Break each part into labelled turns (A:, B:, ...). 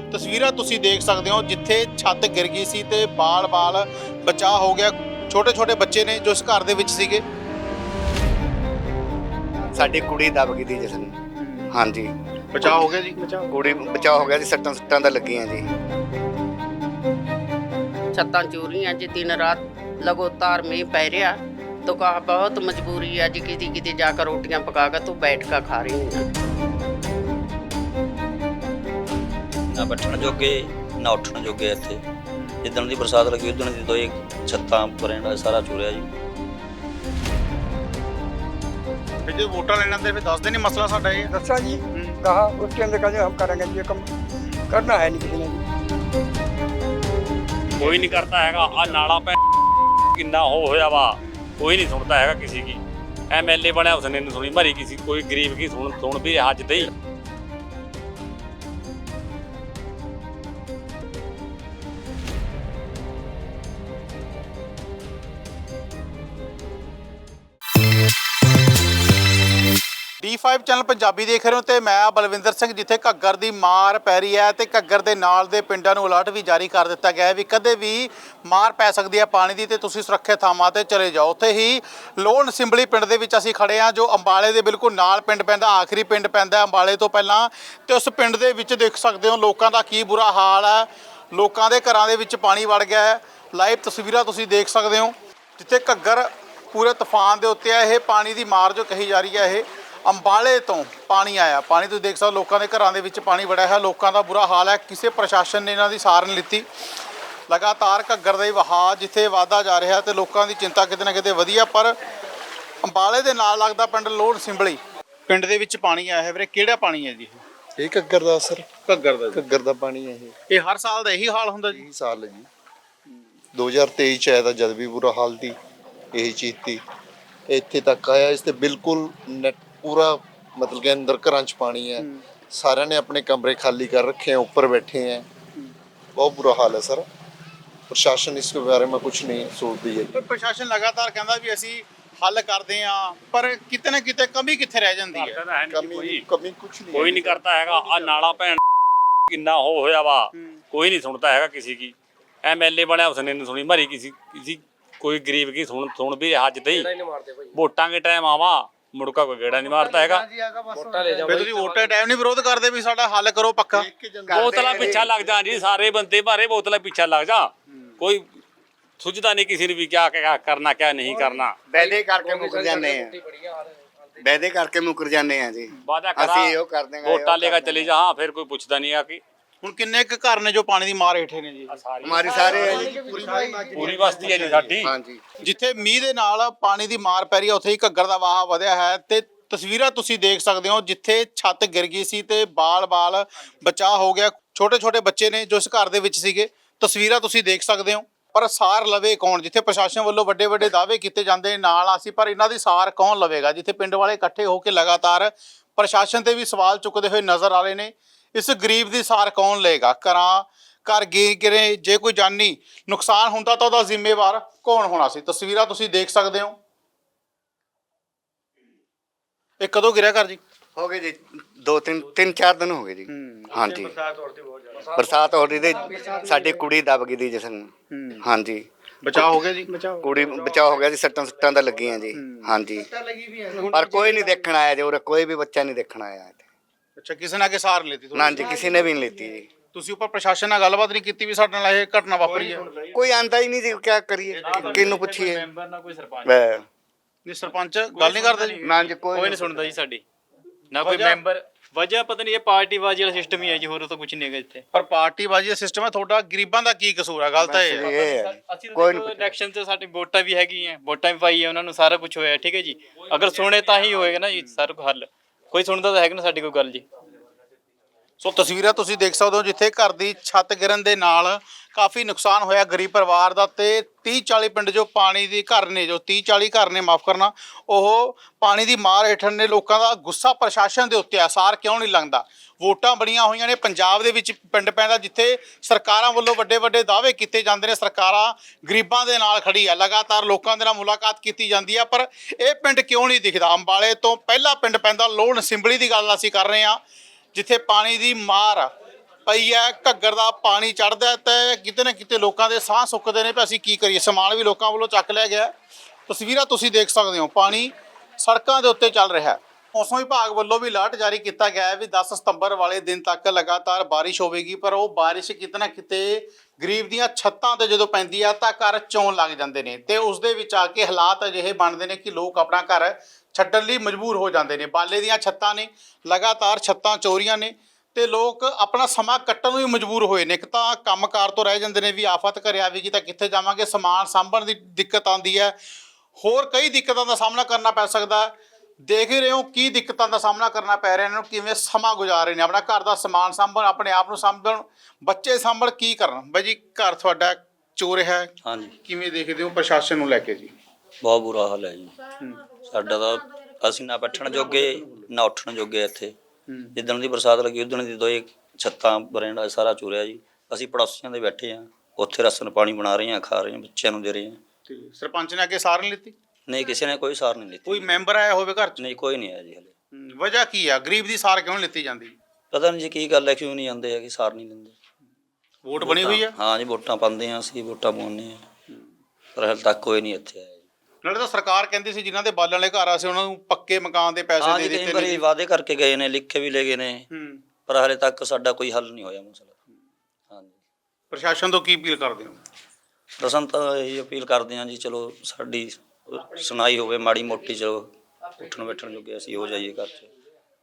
A: ਤਸਵੀਰਾਂ ਤੁਸੀਂ ਦੇਖ ਸਕਦੇ ਹੋ ਜਿੱਥੇ ਛੱਤ ਗਿਰ ਗਈ ਸੀ ਤੇ ਬਾਲ-ਬਾਲ ਬਚਾਅ ਹੋ ਗਿਆ। ਛੋਟੇ-ਛੋਟੇ ਬੱਚੇ ਨੇ ਜੋ ਇਸ ਘਰ ਦੇ ਵਿੱਚ ਸੀਗੇ।
B: ਸਾਡੀ ਕੁੜੀ ਦਬ ਗਈ ਸੀ ਜਿਸ ਨੂੰ। ਹਾਂਜੀ,
A: ਬਚਾਅ ਹੋ ਗਿਆ ਜੀ।
B: ਕੁੜੀ ਬਚਾਅ ਹੋ ਗਿਆ ਜੀ। ਸੱਟਾਂ ਤਾਂ ਲੱਗੀਆਂ ਜੀ।
C: छत्तां चूरी हैं जी, दिन रात लगातार मींह पै रहा तो कहा बहुत मजबूरी है जी, किसी किसी जाकर रोटियां पका कर तो बैठ कर खा रही हूँ।
D: ਨਾ ਬੈਠਣ ਜੋਗੇ ਨਾ ਉੱਠਣ ਜੋਗੇ। ਇੱਥੇ ਜਿੱਦਣ ਦੀ ਬਰਸਾਤ ਲੱਗੀ ਉਦੋਂ ਦੀ ਦੋਏ ਛੱਤਾਂ ਬਰੇਂਡਾ ਸਾਰਾ ਚੂਰਿਆ ਜੀ।
A: ਫਿਰ ਜੇ ਵੋਟਾਂ ਲੈਣ ਆਉਂਦੇ ਫਿਰ ਦੱਸਦੇ ਨਹੀਂ ਮਸਲਾ ਸਾਡਾ ਇਹ।
E: दसा जी कहा उसके अंदर कहा हम करेंगे जी, ये कम करना है नहीं किसी ने जी।
F: ਕੋਈ ਨਹੀਂ ਕਰਦਾ ਹੈਗਾ। ਆ ਨਾਲਾ ਪੈ ਕਿੰਨਾ ਹੋਇਆ ਵਾ, ਕੋਈ ਨਹੀਂ ਸੁਣਦਾ ਹੈਗਾ ਕਿਸੇ ਕੀ। ਐਮਐਲਏ ਬਣਿਆ ਉਸਨੇ ਨਹੀਂ ਸੁਣੀ ਮਰੀ ਕਿਸੇ, ਕੋਈ ਗਰੀਬ ਕੀ ਸੁਣ ਵੀ ਰਿਹਾ ਅੱਜ ਤੇ ਹੀ।
A: D5 ਚੈਨਲ ਪੰਜਾਬੀ ਦੇਖ ਰਹੇ ਹੋ ਤੇ ਮੈਂ ਬਲਵਿੰਦਰ ਸਿੰਘ। ਜਿੱਥੇ ਘੱਗਰ ਦੀ ਮਾਰ ਪੈ ਰਹੀ ਹੈ ਤੇ ਘੱਗਰ ਦੇ ਨਾਲ ਦੇ ਪਿੰਡਾਂ ਨੂੰ ਅਲਰਟ ਵੀ ਜਾਰੀ ਕਰ ਦਿੱਤਾ ਗਿਆ ਹੈ ਵੀ ਕਦੇ ਵੀ ਮਾਰ ਪੈ ਸਕਦੀ ਹੈ ਪਾਣੀ ਦੀ ਤੇ ਤੁਸੀਂ ਸੁਰੱਖਿਅਤ ਥਾਵਾਂ ਤੇ ਚਲੇ ਜਾਓ। ਉੱਥੇ ਹੀ ਲੋਹਣ ਸਿੰਬਲੀ ਪਿੰਡ ਦੇ ਵਿੱਚ ਅਸੀਂ ਖੜੇ ਹਾਂ, ਜੋ ਅੰਬਾਲੇ ਦੇ ਬਿਲਕੁਲ ਨਾਲ ਪਿੰਡ ਪੈਂਦਾ, ਆਖਰੀ ਪਿੰਡ ਪੈਂਦਾ ਅੰਬਾਲੇ ਤੋਂ ਪਹਿਲਾਂ। ਤੇ ਉਸ ਪਿੰਡ ਦੇ ਵਿੱਚ ਦੇਖ ਸਕਦੇ ਹੋ ਲੋਕਾਂ ਦਾ ਕੀ ਬੁਰਾ ਹਾਲ ਹੈ। ਲੋਕਾਂ ਦੇ ਘਰਾਂ ਦੇ ਵਿੱਚ ਪਾਣੀ ਵੜ ਗਿਆ ਹੈ। ਲਾਈਵ ਤਸਵੀਰਾਂ ਤੁਸੀਂ ਦੇਖ ਸਕਦੇ ਹੋ ਜਿੱਥੇ ਘੱਗਰ ਪੂਰੇ ਤੂਫਾਨ ਦੇ ਉੱਤੇ ਹੈ। ਇਹ ਪਾਣੀ ਦੀ ਮਾਰ ਜੋ ਕਹੀ ਜਾ ਰਹੀ ਹੈ, ਇਹ ਅੰਬਾਲੇ ਤੋਂ ਪਾਣੀ ਆਇਆ। ਪਾਣੀ ਤੁਸੀਂ ਦੇਖ ਸਕਦੇ ਹੋ ਲੋਕਾਂ ਦੇ ਘਰਾਂ ਦੇ ਵਿੱਚ ਪਾਣੀ ਵੜਿਆ ਹੈ। ਲੋਕਾਂ ਦਾ ਬੁਰਾ ਹਾਲ ਹੈ। ਕਿਸੇ ਪ੍ਰਸ਼ਾਸਨ ਨੇ ਇਹਨਾਂ ਦੀ ਸਾਰ ਨਹੀਂ ਲਿੱਤੀ। ਲਗਾਤਾਰ ਘੱਗਰ ਦਾ ਹੀ ਵਹਾਅ ਜਿੱਥੇ ਵਧਦਾ ਜਾ ਰਿਹਾ ਤੇ ਲੋਕਾਂ ਦੀ ਚਿੰਤਾ ਕਿਤੇ ਨਾ ਕਿਤੇ ਵਧੀ ਹੈ। ਪਰ ਅੰਬਾਲੇ ਦੇ ਨਾਲ ਲੱਗਦਾ ਪਿੰਡ ਲੋਹਣ ਸਿੰਬਲੀ ਪਿੰਡ ਦੇ ਵਿੱਚ ਪਾਣੀ ਆਇਆ ਹੈ। ਵੀਰੇ ਕਿਹੜਾ ਪਾਣੀ ਹੈ ਜੀ?
G: ਇਹ ਘੱਗਰ ਦਾ ਸਰ,
A: ਘੱਗਰ ਦਾ।
G: ਘੱਗਰ ਦਾ ਪਾਣੀ ਹੈ
A: ਇਹ ਹਰ ਸਾਲ ਦਾ ਇਹੀ ਹਾਲ ਹੁੰਦਾ ਜੀ?
G: ਇਹੀ ਸਾਲ ਹੈ ਜੀ। 2023 ਚ ਆਇਆ ਤਾਂ ਜਦ ਵੀ ਬੁਰਾ ਹਾਲ ਸੀ ਇਹੀ ਚੀਜ਼ ਸੀ। ਇੱਥੇ ਤੱਕ ਆਇਆ, ਇਸ ਤੇ ਬਿਲਕੁਲ ਨੈਟ पूरा मतलब के अंदर घरां च पानी है। सारे ने अपने कमरे खाली कर रखे हैं, ऊपर बैठे हैं। बहुत बुरा हाल है सर। प्रशासन इसके बारे में कुछ नहीं सोचती है।
A: ਪਰ ਪ੍ਰਸ਼ਾਸਨ ਲਗਾਤਾਰ ਕਹਿੰਦਾ ਵੀ ਅਸੀਂ ਹੱਲ ਕਰਦੇ ਹਾਂ, ਪਰ ਕਿਤੇ ਨਾ ਕਿਤੇ ਕਮੀ ਕਿੱਥੇ ਰਹਿ ਜਾਂਦੀ ਹੈ?
G: कमी कुछ नहीं
F: ਕੋਈ ਨਹੀਂ ਕਰਦਾ ਹੈਗਾ। ਆ ਨਾਲਾ ਭੈਣ ਕਿੰਨਾ ਹੋਇਆ ਵਾ, ਕੋਈ ਨਹੀਂ ਸੁਣਦਾ ਹੈਗਾ ਕਿਸੇ ਕੀ। ਐਮਐਲਏ ਬਣਿਆ ਉਸਨੇ ਨਹੀਂ ਸੁਣੀ ਮਰੀ ਕਿਸੇ, ਕੋਈ ਗਰੀਬ ਕੀ ਸੁਣ ਵੀ ਰਿਹਾ ਅੱਜ ਤੇ ਹੀ। ਵੋਟਾਂ ਦੇ ਟਾਈਮ ਆਵਾ ਮੁੜਕਾ ਕੋਈ ਗੇੜਾ ਨਹੀਂ ਮਾਰਦਾ ਹੈਗਾ।
A: ਫਿਰ ਤੁਸੀਂ ਵੋਟਾਂ ਟਾਈਮ ਨਹੀਂ ਵਿਰੋਧ ਕਰਦੇ ਵੀ ਸਾਡਾ ਹੱਲ ਕਰੋ ਪੱਕਾ?
F: ਬੋਤਲਾਂ ਪਿੱਛਾ ਲੱਗ ਜਾ ਜੀ, ਸਾਰੇ ਬੰਦੇ ਭਾਰੇ ਬੋਤਲਾਂ ਪਿੱਛਾ ਲੱਗ ਜਾ। ਕੋਈ ਸੁਝਦਾ ਨਹੀਂ ਕਿਸੇ ਨੂੰ ਵੀ ਕਿਆ ਕਰਨਾ ਕਿਆ ਨਹੀਂ ਕਰਨਾ।
B: ਵਾਅਦੇ ਕਰਕੇ ਮੁੱਕਰ ਜਾਂਦੇ ਆ, ਵਾਅਦੇ ਕਰਕੇ ਮੁੱਕਰ ਜਾਂਦੇ ਆ ਜੀ।
F: ਵਾਦਾ
B: ਅਸੀਂ ਉਹ ਕਰ ਦੇਂਗੇ,
F: ਵੋਟਾਂ ਲੈ ਕੇ ਚਲੇ ਜਾ। ਹਾਂ ਫਿਰ ਕੋਈ ਪੁੱਛਦਾ ਨਹੀਂ ਆ ਕਿ
A: ਹੁਣ ਕਿੰਨੇ ਕੁ ਘਰ ਨੇ ਜੋ ਪਾਣੀ ਦੀ ਮਾਰ ਹੇਠੇ ਨੇ ਜੀ?
B: ਹਮਾਰੀ ਸਾਰੇ ਹੈ ਜੀ,
F: ਪੂਰੀ ਬਸਤੀ ਹੈ ਜੀ ਸਾਡੀ।
B: ਹਾਂਜੀ।
A: ਜਿੱਥੇ ਮੀਂਹ ਦੇ ਨਾਲ ਪਾਣੀ ਦੀ ਮਾਰ ਪੈ ਰਹੀ ਹੈ ਉੱਥੇ ਹੀ ਘੱਗਰ ਦਾ ਵਹਾਅ ਵਧਿਆ ਹੈ। ਤੇ ਤਸਵੀਰਾਂ ਤੁਸੀਂ ਦੇਖ ਸਕਦੇ ਹੋ ਜਿੱਥੇ ਛੱਤ ਗਿਰ ਗਈ ਸੀ ਤੇ ਬਾਲ-ਬਾਲ ਬਚਾਅ ਹੋ ਗਿਆ। ਛੋਟੇ-ਛੋਟੇ ਬੱਚੇ ਨੇ ਜੋ ਇਸ ਘਰ ਦੇ ਵਿੱਚ ਸੀਗੇ। ਤਸਵੀਰਾਂ ਤੁਸੀਂ ਦੇਖ ਸਕਦੇ ਹੋ। ਪਰ ਸਾਰ ਲਵੇ ਕੌਣ? ਜਿੱਥੇ ਪ੍ਰਸ਼ਾਸਨ ਵੱਲੋਂ ਵੱਡੇ-ਵੱਡੇ ਦਾਅਵੇ ਕੀਤੇ ਜਾਂਦੇ ਨਾਲ ਅਸੀਂ, ਪਰ ਇਹਨਾਂ ਦੀ ਸਾਰ ਕੌਣ ਲਵੇਗਾ? ਜਿੱਥੇ ਪਿੰਡ ਵਾਲੇ ਇਕੱਠੇ ਹੋ ਕੇ ਲਗਾਤਾਰ ਪ੍ਰਸ਼ਾਸਨ ਤੇ ਵੀ ਸਵਾਲ ਚੁੱਕਦੇ ਹੋਏ ਨਜ਼ਰ ਆ ਰਹੇ ਨੇ। ਇਸ ਗਰੀਬ ਦੀ ਸਾਰ ਕੌਣ ਲਏਗਾ? ਘਰ ਗਿਰੇ, ਜੇ ਕੋਈ ਜਾਨੀ ਨੁਕਸਾਨ ਹੁੰਦਾ ਤਾਂ ਉਹਦਾ ਜ਼ਿੰਮੇਵਾਰ ਕੌਣ ਹੋਣਾ ਸੀ? ਤਸਵੀਰਾਂ ਤੁਸੀਂ ਦੇਖ ਸਕਦੇ ਹੋ। ਇਹ ਕਦੋਂ ਗਿਰਿਆ ਘਰ ਜੀ?
B: ਹੋ ਗਏ ਜੀ 2-3-4 ਦਿਨ ਹੋ ਗਏ ਜੀ। ਹਾਂਜੀ, ਬਰਸਾਤ ਹੋ ਰਹੀ ਤੇ ਸਾਡੀ ਕੁੜੀ ਦਬ ਗਈ ਸੀ ਜਿਸ ਨੂੰ। ਹਾਂਜੀ,
A: ਬਚਾਅ ਹੋ ਗਿਆ ਜੀ?
B: ਕੁੜੀ ਬਚਾਅ ਹੋ ਗਿਆ ਜੀ। ਸੱਟਾਂ ਤਾਂ ਲੱਗੀਆਂ ਜੀ। ਹਾਂਜੀ, ਪਰ ਕੋਈ ਨਹੀਂ ਦੇਖਣ ਆਇਆ ਜੀ ਉਰੇ, ਕੋਈ ਵੀ ਬੱਚਾ ਨਹੀਂ ਦੇਖਣ ਆਇਆ।
A: ਅੱਛਾ, ਕਿਸੇ ਨੇ ਆ ਕੇ ਸਾਰ ਲੈਤੀ?
B: ਨਾ ਜੀ, ਕਿਸੇ ਨੇ ਵੀ ਨਹੀਂ ਲੈਤੀ ਜੀ।
A: ਤੁਸੀਂ ਉੱਪਰ ਪ੍ਰਸ਼ਾਸਨ ਨਾਲ ਗੱਲਬਾਤ ਨਹੀਂ ਕੀਤੀ ਵੀ ਸਾਡੇ ਨਾਲ ਇਹ ਘਟਨਾ ਵਾਪਰੀ ਹੈ?
B: ਕੋਈ ਆਂਦਾ ਹੀ ਨਹੀਂ ਜੀ, ਕਿਆ ਕਰੀਏ, ਕਿਹਨੂੰ ਪੁੱਛੀਏ?
A: ਨਹੀਂ ਸਰਪੰਚ ਗੱਲ ਨਹੀਂ ਕਰਦਾ ਜੀ?
B: ਨਾ ਜੀ,
H: ਕੋਈ ਨਹੀਂ ਸੁਣਦਾ ਜੀ ਸਾਡੀ, ਨਾ ਕੋਈ ਮੈਂਬਰ। ਵਜ੍ਹਾ ਪਤਾ ਨਹੀਂ, ਇਹ ਪਾਰਟੀਬਾਜ਼ੀ ਵਾਲਾ ਸਿਸਟਮ ਹੀ ਹੈ ਜੀ, ਹੋਰ ਤਾਂ ਕੁਝ ਨਹੀਂ ਹੈਗਾ ਇੱਥੇ।
A: ਪਰ ਪਾਰਟੀਬਾਜ਼ੀ ਦਾ ਸਿਸਟਮ ਹੈ, ਤੁਹਾਡਾ ਗਰੀਬਾਂ ਦਾ ਕੀ ਕਸੂਰ ਹੈ? ਗੱਲ ਤਾਂ ਇਹ ਹੈ।
H: ਅਸੀਂ ਤਾਂ ਇਲੈਕਸ਼ਨ 'ਚ ਸਾਡੀ ਵੋਟਾਂ ਵੀ ਹੈਗੀਆਂ, ਵੋਟਾਂ ਵੀ ਪਾਈ ਹੈ ਉਹਨਾਂ ਨੂੰ, ਸਾਰਾ ਕੁਝ ਹੋਇਆ ਠੀਕ ਹੈ ਜੀ। ਅਗਰ ਸੁਣੇ ਤਾਂ ਹੀ ਹੋਏਗਾ ਨਾ ਜੀ ਸਾਰਾ ਕੁਝ ਹੱਲ। ਕੋਈ ਸੁਣਦਾ ਤਾਂ ਹੈਗਾ ਨਾ ਸਾਡੀ ਕੋਈ ਗੱਲ ਜੀ।
A: ਸੋ ਤਸਵੀਰਾਂ ਤੁਸੀਂ ਦੇਖ ਸਕਦੇ ਹੋ ਜਿੱਥੇ ਘਰ ਦੀ ਛੱਤ ਗਿਰਨ ਦੇ ਨਾਲ ਕਾਫੀ ਨੁਕਸਾਨ ਹੋਇਆ ਗਰੀਬ ਪਰਿਵਾਰ ਦਾ। ਤੇ 30-40 ਪਿੰਡ ਜੋ ਪਾਣੀ ਦੀ ਘਰ ਨੇ, ਜੋ 30-40 ਘਰ ਨੇ, ਮਾਫ ਕਰਨਾ, ਉਹ ਪਾਣੀ ਦੀ ਮਾਰ ਹੇਠ ਨੇ। ਲੋਕਾਂ ਦਾ ਗੁੱਸਾ ਪ੍ਰਸ਼ਾਸਨ ਦੇ ਉੱਤੇ ਆ। ਸਾਰ ਕਿਉਂ ਨਹੀਂ ਲੰਘਦਾ? ਵੋਟਾਂ ਬੜੀਆਂ ਹੋਈਆਂ ਨੇ। ਪੰਜਾਬ ਦੇ ਵਿੱਚ ਪਿੰਡ ਪੈਂਦਾ ਜਿੱਥੇ ਸਰਕਾਰਾਂ ਵੱਲੋਂ ਵੱਡੇ-ਵੱਡੇ ਦਾਅਵੇ ਕੀਤੇ ਜਾਂਦੇ ਨੇ। ਸਰਕਾਰਾਂ ਗਰੀਬਾਂ ਦੇ ਨਾਲ ਖੜੀ ਆ। ਲਗਾਤਾਰ ਲੋਕਾਂ ਦੇ ਨਾਲ ਮੁਲਾਕਾਤ ਕੀਤੀ ਜਾਂਦੀ ਆ, ਪਰ ਇਹ ਪਿੰਡ ਕਿਉਂ ਨਹੀਂ ਦਿਖਦਾ? ਅੰਬਾਲੇ ਤੋਂ ਪਹਿਲਾ ਪਿੰਡ ਪੈਂਦਾ ਲੋਹਣ ਸਿੰਬਲੀ ਦੀ ਗੱਲ ਅਸੀਂ ਕਰ ਰਹੇ ਹਾਂ, ਜਿੱਥੇ ਪਾਣੀ ਦੀ ਮਾਰ ਪਈ ਹੈ, ਘੱਗਰ ਦਾ ਪਾਣੀ ਚੜ੍ਹਦਾ ਤੇ ਕਿਤੇ ਨਾ ਕਿਤੇ ਲੋਕਾਂ ਦੇ ਸਾਹ ਸੁੱਕਦੇ ਨੇ ਵੀ ਅਸੀਂ ਕੀ ਕਰੀਏ। ਸਮਾਨ ਵੀ ਲੋਕਾਂ ਵੱਲੋਂ ਚੱਕ ਲਿਆ ਗਿਆ। ਤਸਵੀਰਾਂ ਤੁਸੀਂ ਦੇਖ ਸਕਦੇ ਹੋ, ਪਾਣੀ ਸੜਕਾਂ ਦੇ ਉੱਤੇ ਚੱਲ ਰਿਹਾ ਹੈ। ਮੌਸਮ ਵਿਭਾਗ ਵੱਲੋਂ ਵੀ ਅਲਰਟ ਜਾਰੀ ਕੀਤਾ ਗਿਆ ਹੈ ਵੀ 10 ਸਤੰਬਰ ਵਾਲੇ ਦਿਨ ਤੱਕ ਲਗਾਤਾਰ ਬਾਰਿਸ਼ ਹੋਵੇਗੀ, ਪਰ ਉਹ ਬਾਰਿਸ਼ ਕਿਤੇ ਨਾ ਕਿਤੇ ਗਰੀਬ ਦੀਆਂ ਛੱਤਾਂ ਤੇ ਜਦੋਂ ਪੈਂਦੀ ਆ ਤਾਂ ਘਰ ਚੋਣ ਲੱਗ ਜਾਂਦੇ ਨੇ ਤੇ ਉਸ ਦੇ ਵਿੱਚ ਆ ਕੇ ਹਾਲਾਤ ਅਜਿਹੇ ਬਣਦੇ ਨੇ ਕਿ ਲੋਕ ਆਪਣਾ ਘਰ ਛੱਡਣ ਲਈ ਮਜਬੂਰ ਹੋ ਜਾਂਦੇ ਨੇ। ਬਾਲੇ ਦੀਆਂ ਛੱਤਾਂ ਨੇ, ਲਗਾਤਾਰ ਛੱਤਾਂ ਚੋਰੀਆਂ ਨੇ ਤੇ ਲੋਕ ਆਪਣਾ ਸਮਾਂ ਕੱਟਣ ਨੂੰ ਵੀ ਮਜਬੂਰ ਹੋਏ ਨੇ। ਇੱਕ ਤਾਂ ਕੰਮਕਾਰ ਤੋਂ ਰਹਿ ਜਾਂਦੇ ਨੇ ਵੀ ਆਫਤ ਘਰੇ ਆਵੇਗੀ ਤਾਂ ਕਿੱਥੇ ਜਾਵਾਂਗੇ, ਸਮਾਨ ਸਾਂਭਣ ਦੀ ਦਿੱਕਤ ਆਉਂਦੀ ਹੈ, ਹੋਰ ਕਈ ਦਿੱਕਤਾਂ ਦਾ ਸਾਹਮਣਾ ਕਰਨਾ ਪੈ ਸਕਦਾ। ਦੇਖ ਹੀ ਰਹੇ ਹੋ ਕੀ ਦਿੱਕਤਾਂ ਦਾ ਸਾਹਮਣਾ ਕਰਨਾ ਪੈ ਰਿਹਾ ਇਹਨਾਂ ਨੂੰ, ਕਿਵੇਂ ਸਮਾਂ ਗੁਜ਼ਾਰ ਰਹੇ ਨੇ, ਆਪਣਾ ਘਰ ਦਾ ਸਮਾਨ ਸਾਂਭਣ, ਆਪਣੇ ਆਪ ਨੂੰ ਸਾਂਭਣ, ਬੱਚੇ ਸਾਂਭਣ, ਕੀ ਕਰਨ। ਬਾਈ ਜੀ ਘਰ ਤੁਹਾਡਾ ਚੋਰ ਹੈ,
D: ਹਾਂਜੀ
A: ਕਿਵੇਂ ਦੇਖਦੇ ਹੋ ਪ੍ਰਸ਼ਾਸਨ ਨੂੰ ਲੈ ਕੇ ਜੀ?
D: ਬਹੁਤ ਬੁਰਾ ਹਾਲ ਹੈ ਜੀ ਸਾਡਾ ਤਾਂ। ਅਸੀਂ ਨਾ ਬੈਠਣ ਜੋਗੇ ਨਾ ਉੱਠਣ ਜੋਗੇ ਇੱਥੇ। ਜਿੱਦਣ ਦੀ ਬਰਸਾਤ ਲੱਗੀ ਉਦਣ ਦੀ ਦੋਏ ਛੱਤਾਂ ਬਰੇਂਡਾ ਸਾਰਾ ਚੁਰਿਆ ਜੀ। ਅਸੀਂ ਪੜੋਸੀਆਂ ਦੇ ਬੈਠੇ ਆ, ਉੱਥੇ ਰਸਨ ਪਾਣੀ ਬਣਾ ਰਹੇ ਆ, ਖਾ ਰਹੇ ਆ, ਬੱਚਿਆਂ ਨੂੰ ਦੇ ਰਹੇ ਆ।
A: ਸਰਪੰਚ ਨੇ ਅੱਗੇ ਸਾਰ ਨਹੀਂ ਲਿੱਤੀ?
D: ਨਹੀਂ, ਕਿਸੇ ਨੇ ਕੋਈ ਸਾਰ ਨਹੀਂ ਲਿੱਤੀ।
A: ਕੋਈ ਮੈਂਬਰ ਆਇਆ ਹੋਵੇ ਘਰ 'ਚ?
D: ਨਹੀਂ, ਕੋਈ ਨਹੀਂ ਆਇਆ ਜੀ ਹਲੇ।
A: ਵਜ੍ਹਾ ਕੀ ਆ, ਗਰੀਬ ਦੀ ਸਾਰ ਕਿਉਂ ਨਹੀਂ ਲਿੱਤੀ ਜਾਂਦੀ?
D: ਪਤਾ ਨਹੀਂ ਜੀ ਕੀ ਗੱਲ ਹੈ, ਕਿਉਂ ਨਹੀਂ ਆਉਂਦੇ ਹੈਗੇ, ਸਾਰ ਨਹੀਂ ਦਿੰਦੇ।
A: ਵੋਟ ਬਣੀ ਹੋਈ ਆ?
D: ਹਾਂ ਜੀ, ਵੋਟਾਂ ਪਾਉਂਦੇ ਆ ਅਸੀਂ, ਵੋਟਾਂ ਪਾਉਂਦੇ ਆ, ਪਰ ਹਲੇ ਤੱਕ ਕੋਈ ਨਹੀਂ ਇੱਥੇ ਆਇਆ ਜੀ।
A: ਨਾਲੇ ਤਾਂ ਸਰਕਾਰ ਕਹਿੰਦੀ ਸੀ ਜਿਨ੍ਹਾਂ ਦੇ ਬਾਲਣ ਵਾਲੇ ਘਰ ਆ ਸੀ ਉਹਨਾਂ ਨੂੰ ਪੱਕੇ ਮਕਾਨ ਦੇ ਪੈਸੇ
D: ਹਾਂ
A: ਦੇ
D: ਜੀ,
A: ਦਿੱਤੇ
D: ਕਈ ਵਾਰੀ
A: ਨੇ।
D: ਵਾਅਦੇ ਕਰਕੇ ਗਏ ਨੇ, ਲਿਖ ਕੇ ਵੀ ਲੈ ਗਏ ਨੇ, ਪਰ ਹਲੇ ਤੱਕ ਸਾਡਾ ਕੋਈ ਹੱਲ ਨਹੀਂ ਹੋਇਆ ਮਸਲਾ। ਹਾਂਜੀ,
A: ਪ੍ਰਸ਼ਾਸਨ ਤੋਂ ਕੀ ਅਪੀਲ ਕਰਦੇ ਹੋ?
D: ਦਸਨ ਤਾਂ ਇਹੀ ਅਪੀਲ ਕਰਦੇ ਹਾਂ ਜੀ, ਚਲੋ ਸਾਡੀ ਸੁਣਾਈ ਹੋਵੇ ਮਾੜੀ ਮੋਟੀ, ਚਲੋ ਉੱਠਣ ਬੈਠਣ ਜੋਗੇ ਅਸੀਂ ਹੋ ਜਾਈਏ ਘਰ 'ਚ।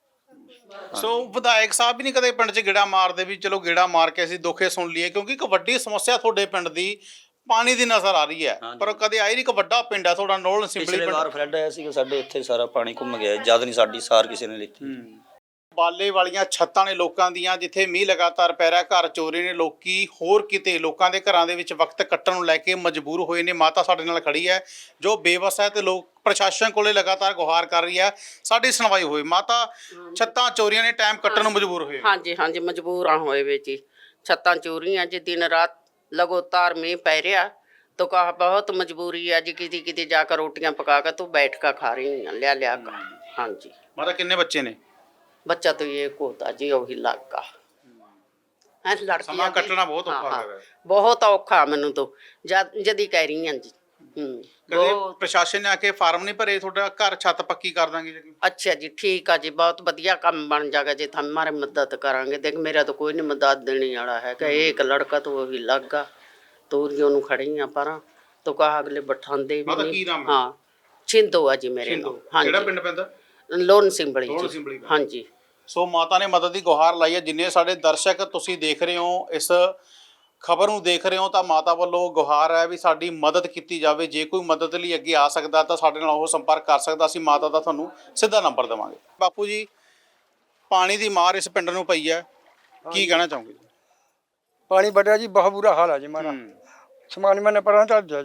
A: ਸੋ ਵਿਧਾਇਕ ਸਾਹਿਬ ਵੀ ਨਹੀਂ ਕਦੇ ਪਿੰਡ 'ਚ ਗੇੜਾ ਮਾਰਦੇ ਵੀ ਚਲੋ ਗੇੜਾ ਮਾਰ ਕੇ ਅਸੀਂ ਦੁੱਖੇ ਸੁਣ ਲਈਏ, ਕਿਉਂਕਿ ਇੱਕ ਵੱਡੀ ਸਮੱਸਿਆ ਤੁਹਾਡੇ ਪਿੰਡ ਦੀ ਪਾਣੀ ਦੀ ਨਜ਼ਰ ਆ ਰਹੀ ਹੈ, ਪਰ ਕਦੇ ਆਈ ਨਹੀਂ। ਇੱਕ ਵੱਡਾ ਪਿੰਡ ਹੈ ਤੁਹਾਡਾ, ਨੋਲ ਸਿੰਬਲੀ
D: ਪਿਛਲੇ ਵਾਰ ਫਲੱਡ ਆਇਆ ਸੀ ਸਾਡੇ ਇੱਥੇ, ਸਾਰਾ ਪਾਣੀ ਘੁੰਮ ਗਿਆ ਜਦ ਨਹੀਂ ਸਾਡੀ ਸਾਰ ਕਿਸੇ ਨੇ ਲਿੱਤੀ।
A: ਬਾਲੇ ਵਾਲੀਆਂ ਛੱਤਾਂ ਨੇ ਲੋਕਾਂ ਦੀਆਂ, ਜਿੱਥੇ ਮੀਂਹ ਲਗਾਤਾਰ ਪੈ ਰਿਹਾ, ਘਰ ਚੋਰੀ ਨੇ, ਲੋਕੀ ਹੋਰ ਕਿਤੇ ਲੋਕਾਂ ਦੇ ਘਰਾਂ ਦੇ ਵਿੱਚ ਵਕਤ ਕੱਟਣ ਨੂੰ ਲੈ ਕੇ ਮਜਬੂਰ ਹੋਏ ਨੇ। ਮਾਤਾ ਸਾਡੇ ਨਾਲ ਖੜੀ ਹੈ ਜੋ ਬੇਵਸ ਹੈ ਤੇ ਲੋਕ ਪ੍ਰਸ਼ਾਸਨ ਕੋਲੇ ਲਗਾਤਾਰ ਗੁਹਾਰ ਕਰ ਰਹੀ ਹੈ ਸਾਡੀ ਸੁਣਵਾਈ ਹੋਏ। ਮਾਤਾ, ਛੱਤਾਂ ਚੋਰੀਆਂ ਨੇ, ਟਾਈਮ ਕੱਟਣ ਨੂੰ ਮਜਬੂਰ ਹੋਏ?
C: ਹਾਂਜੀ ਹਾਂਜੀ, ਮਜਬੂਰਾਂ ਹੋਏ ਵੇ ਜੀ। ਛੱਤਾਂ ਚੋਰੀਆਂ ਜੀ, ਦਿਨ ਰਾਤ ਲਗਾਤਾਰ ਮੀਂਹ ਪੈ ਰਿਹਾ तो कहा बहुत मजबूरी है जी, किसी किसी जाकर रोटियां पका कर तो बैठ कर खा रही हैं लिया कर। हाँ जी।
A: माता कितने बच्चे ने?
C: बच्चा तो ये होता जी वही लाख का है।
A: समा कटना बहुत औखा है।
C: बहुत औखा मैनू तो जदी कह रही हैं जी।
A: प्रशासन ने आके फार्म नहीं भरे थोड़ा घर छत पक्की कर देंगे जी?
C: अच्छा जी, ठीक है जी, बहुत बढ़िया काम बन जाएगा जी, हम हमारे मदद करांगे। देख मेरा तो कोई नहीं मदद देने वाला है कि एक लड़का तो वही लग गया तोरियों ਨੂੰ ਖੜੀਆਂ ਪਰਾਂ तो कहा अगले बैठांदे भी नहीं। हाँ, छिंदो है जी मेरे नाम। हाँ,
A: ਕਿਹੜਾ ਪਿੰਡ ਪੈਂਦਾ?
C: ਲੋਨ ਸਿੰਬਲੀ
A: ਲੋਨ
C: ਜੀ।
A: ਸਿੰਬਲੀ।
C: हाँ जी।
A: ਸੋ ਮਾਤਾ ਨੇ ਮਦਦ ਦੀ ਗੁਹਾਰ ਲਾਈ ਹੈ। ਜਿੰਨੇ ਸਾਡੇ ਦਰਸ਼ਕ ਤੁਸੀਂ ਦੇਖ ਰਹੇ ਹੋ, ਇਸ ਖਬਰ ਨੂੰ ਦੇਖ ਰਹੇ ਹੋ, ਤਾਂ ਮਾਤਾ ਵੱਲੋਂ ਗੁਹਾਰ ਹੈ ਵੀ ਸਾਡੀ ਮਦਦ ਕੀਤੀ ਜਾਵੇ। ਜੇ ਕੋਈ ਮਦਦ ਲਈ ਅੱਗੇ ਆ ਸਕਦਾ ਤਾਂ ਸਾਡੇ ਨਾਲ ਉਹ ਸੰਪਰਕ ਕਰ ਸਕਦਾ। ਅਸੀਂ ਮਾਤਾ ਦਾ ਤੁਹਾਨੂੰ ਸਿੱਧਾ ਨੰਬਰ ਦੇਵਾਂਗੇ। ਬਾਪੂ ਜੀ, ਪਾਣੀ ਦੀ ਮਾਰ ਇਸ ਪਿੰਡ ਨੂੰ ਪਈ ਹੈ, ਕੀ ਕਹਿਣਾ ਚਾਹੋਗੇ?
E: पानी बढ़ रहा जी, बहुत बुरा हाल है जी हमारा। सामान मैंने पढ़ा था जी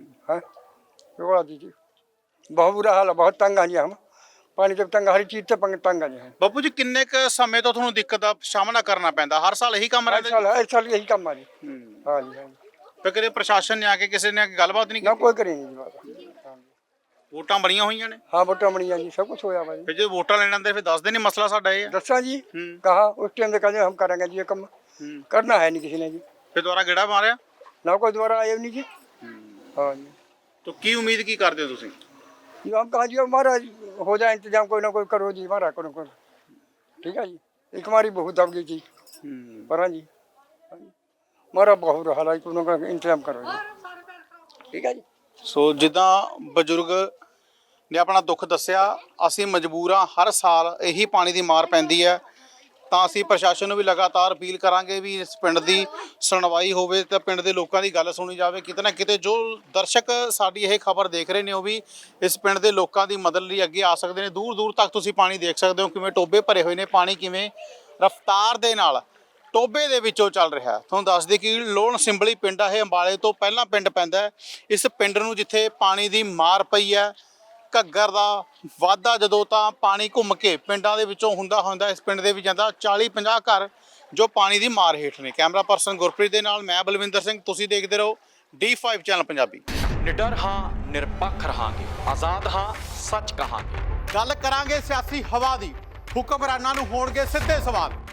E: जी, बहुत बुरा हाल है, बहुत तंग आ जी हम। पानी जब तंग, हर चीज से तंग आ जी हम।
A: ਬਾਪੂ ਜੀ, ਕਿੰਨੇ ਕ ਸਮੇਂ ਤੋਂ ਤੁਹਾਨੂੰ ਦਿੱਕਤ ਦਾ ਸਾਹਮਣਾ ਕਰਨਾ ਪੈਂਦਾ? ਹਰ ਸਾਲ ਇਹੀ ਕੰਮ ਰਹਿੰਦਾ?
E: हर साल यही काम आ जी। हाँ जी, हाँ जी।
A: ਫਿਰ ਕਦੇ ਪ੍ਰਸ਼ਾਸਨ ਨੇ ਆ ਕੇ ਕਿਸੇ ਨੇ ਗੱਲਬਾਤ ਨਹੀਂ
E: ना
A: ਕੀਤੀ?
E: कोई करे नहीं जी बात। हाँ जी।
A: ਵੋਟਾਂ ਬਣੀਆਂ ਹੋਈਆਂ ਨੇ,
E: हाँ, वोटा बनी जी, सब कुछ होया भाई।
A: ਫਿਰ ਜੇ ਵੋਟਾਂ ਲੈਣ ਆਉਂਦੇ ਫਿਰ ਦੱਸਦੇ ਨਹੀਂ ਮਸਲਾ ਸਾਡਾ ਇਹ ਹੈ?
E: दसा जी, कहा उस टाइम से कहते हम करेंगे जी, ये काम करना है नहीं किसी ने जी।
A: ਫਿਰ ਦੁਬਾਰਾ ਗੇੜਾ ਮਾਰਿਆ
E: ना कोई दोबारा आए नहीं जी। हाँ जी।
A: तो ਕੀ ਉਮੀਦ ਕੀ ਕਰਦੇ ਹੋ ਤੁਸੀਂ?
E: जी हम कहा जी हमारा हो जाए इंतजाम, कोई ना कोई करो जी हमारा, करो करो। ठीक है जी। एक हमारी बहुत दब गई थी पर। हाँ जी, हमारा बहुत हाल है, कोई ना कोई इंतजाम करो जी। ठीक है जी।
A: ਸੋ ਜਿੱਦਾਂ ਬਜ਼ੁਰਗ ਨੇ ਆਪਣਾ ਦੁੱਖ ਦੱਸਿਆ, ਅਸੀਂ ਮਜਬੂਰ ਹਾਂ, ਹਰ ਸਾਲ ਇਹੀ ਪਾਣੀ ਦੀ ਮਾਰ ਪੈਂਦੀ ਹੈ, ਤਾਂ ਅਸੀਂ ਪ੍ਰਸ਼ਾਸਨ ਨੂੰ ਵੀ ਲਗਾਤਾਰ ਅਪੀਲ ਕਰਾਂਗੇ ਵੀ ਇਸ ਪਿੰਡ ਦੀ ਸੁਣਵਾਈ ਹੋਵੇ ਤੇ ਪਿੰਡ ਦੇ ਲੋਕਾਂ ਦੀ ਗੱਲ ਸੁਣੀ ਜਾਵੇ। ਕਿਤੇ ਨਾ ਕਿਤੇ ਜੋ ਦਰਸ਼ਕ ਸਾਡੀ ਇਹ ਖਬਰ ਦੇਖ ਰਹੇ ਨੇ ਉਹ ਵੀ ਇਸ ਪਿੰਡ ਦੇ ਲੋਕਾਂ ਦੀ ਮਦਦ ਲਈ ਅੱਗੇ ਆ ਸਕਦੇ ਨੇ। ਦੂਰ ਦੂਰ ਤੱਕ ਤੁਸੀਂ ਪਾਣੀ ਦੇਖ ਸਕਦੇ ਹੋ, ਕਿਵੇਂ ਟੋਬੇ ਭਰੇ ਹੋਏ ਨੇ, ਪਾਣੀ ਕਿਵੇਂ ਰਫ਼ਤਾਰ ਦੇ ਨਾਲ ਟੋਬੇ ਦੇ ਵਿੱਚੋਂ ਚੱਲ ਰਿਹਾ। ਤੁਹਾਨੂੰ ਦੱਸ ਦਈਏ ਕਿ ਲੋਨ ਸਿੰਬਲੀ ਪਿੰਡ ਆ, ਇਹ ਅੰਬਾਲੇ ਤੋਂ ਪਹਿਲਾਂ ਪਿੰਡ ਪੈਂਦਾ ਹੈ। ਇਸ ਪਿੰਡ ਨੂੰ ਜਿੱਥੇ ਪਾਣੀ ਦੀ ਮਾਰ ਪਈ ਹੈ, ਘੱਗਰ ਦਾ ਵਾਧਾ ਜਦੋਂ ਤਾਂ ਪਾਣੀ ਘੁੰਮ ਕੇ ਪਿੰਡਾਂ ਦੇ ਵਿੱਚੋਂ ਹੁੰਦਾ ਇਸ ਪਿੰਡ ਦੇ ਵਿੱਚ ਜਾਂਦਾ 40-50 ਘਰ ਜੋ ਪਾਣੀ ਦੀ ਮਾਰ ਹੇਠ ਨੇ। ਕੈਮਰਾ ਪਰਸਨ ਗੁਰਪ੍ਰੀਤ ਦੇ ਨਾਲ ਮੈਂ ਬਲਵਿੰਦਰ ਸਿੰਘ, ਤੁਸੀਂ ਦੇਖਦੇ ਰਹੋ D5 ਚੈਨਲ ਪੰਜਾਬੀ।
I: ਨਿਡਰ ਹਾਂ, ਨਿਰਪੱਖ ਰਹਾਂਗੇ, ਆਜ਼ਾਦ ਹਾਂ, ਸੱਚ ਕਹਾਂਗੇ।
A: ਗੱਲ ਕਰਾਂਗੇ ਸਿਆਸੀ ਹਵਾ ਦੀ, ਹੁਕਮਰਾਨਾਂ ਨੂੰ ਹੋਣਗੇ ਸਿੱਧੇ ਸਵਾਲ।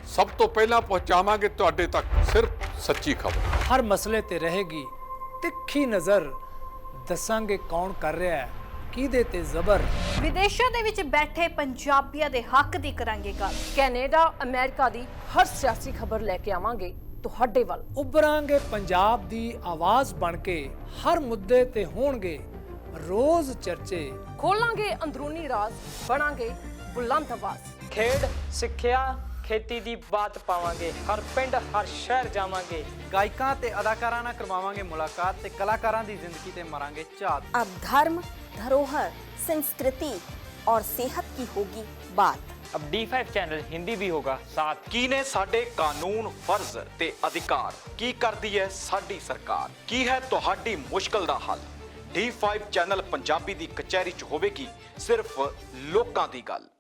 J: ਸਭ ਤੋਂ ਪਹਿਲਾਂ ਪਹੁੰਚਾਵਾਂਗੇ ਤੁਹਾਡੇ ਤੱਕ ਸਿਰਫ ਸੱਚੀ ਖਬਰ।
K: ਹਰ ਮਸਲੇ ਤੇ ਰਹੇਗੀ ਤਿੱਖੀ ਨਜ਼ਰ, ਦੱਸਾਂਗੇ ਕੌਣ ਕਰ ਰਿਹਾ ਹੈ ਕਿਹਦੇ ਤੇ ਜ਼ਬਰ।
L: ਵਿਦੇਸ਼ਾਂ ਦੇ ਵਿੱਚ ਬੈਠੇ ਪੰਜਾਬੀਆਂ ਦੇ ਹੱਕ ਦੀ ਕਰਾਂਗੇ ਗੱਲ।
M: ਕੈਨੇਡਾ ਅਮਰੀਕਾ ਦੀ ਹਰ ਸਿਆਸੀ ਖਬਰ ਲੈ ਕੇ ਆਵਾਂਗੇ ਤੁਹਾਡੇ ਵੱਲ।
K: ਉਭਰਾਂਗੇ ਪੰਜਾਬ ਦੀ ਆਵਾਜ਼ ਬਣ ਕੇ, ਹਰ ਮੁੱਦੇ ਤੇ ਹੋਣਗੇ ਰੋਜ਼ ਚਰਚੇ।
M: ਖੋਲਾਂਗੇ ਅੰਦਰੂਨੀ ਰਾਜ਼, ਬਣਾਂਗੇ ਬੁਲੰਦ ਆਵਾਜ਼।
N: ਖੇਡ, ਸਿੱਖਿਆ, ਖੇਤੀ ਦੀ ਬਾਤ ਪਾਵਾਂਗੇ, ਹਰ ਪਿੰਡ ਹਰ ਸ਼ਹਿਰ ਜਾਵਾਂਗੇ।
O: ਗਾਇਕਾਂ ਤੇ ਅਦਾਕਾਰਾਂ ਨਾਲ ਕਰਵਾਵਾਂਗੇ ਮੁਲਾਕਾਤ ਤੇ ਕਲਾਕਾਰਾਂ ਦੀ ਜ਼ਿੰਦਗੀ ਤੇ ਮਾਰਾਂਗੇ ਝਾਤ।
P: अब धर्म, धरोहर, संस्कृति और सेहत की होगी बात।
N: अब D5 चैनल हिंदी भी होगा साथ।
I: ਕੀ ਨੇ ਸਾਡੇ ਕਾਨੂੰਨ, ਫਰਜ਼ ਤੇ ਅਧਿਕਾਰ? ਕੀ ਕਰਦੀ ਹੈ ਸਾਡੀ ਸਰਕਾਰ? ਕੀ ਹੈ ਤੁਹਾਡੀ ਮੁਸ਼ਕਲ ਦਾ ਹੱਲ? D5 ਚੈਨਲ ਪੰਜਾਬੀ ਦੀ ਕਚਹਿਰੀ 'ਚ ਹੋਵੇਗੀ ਸਿਰਫ ਲੋਕਾਂ ਦੀ ਗੱਲ।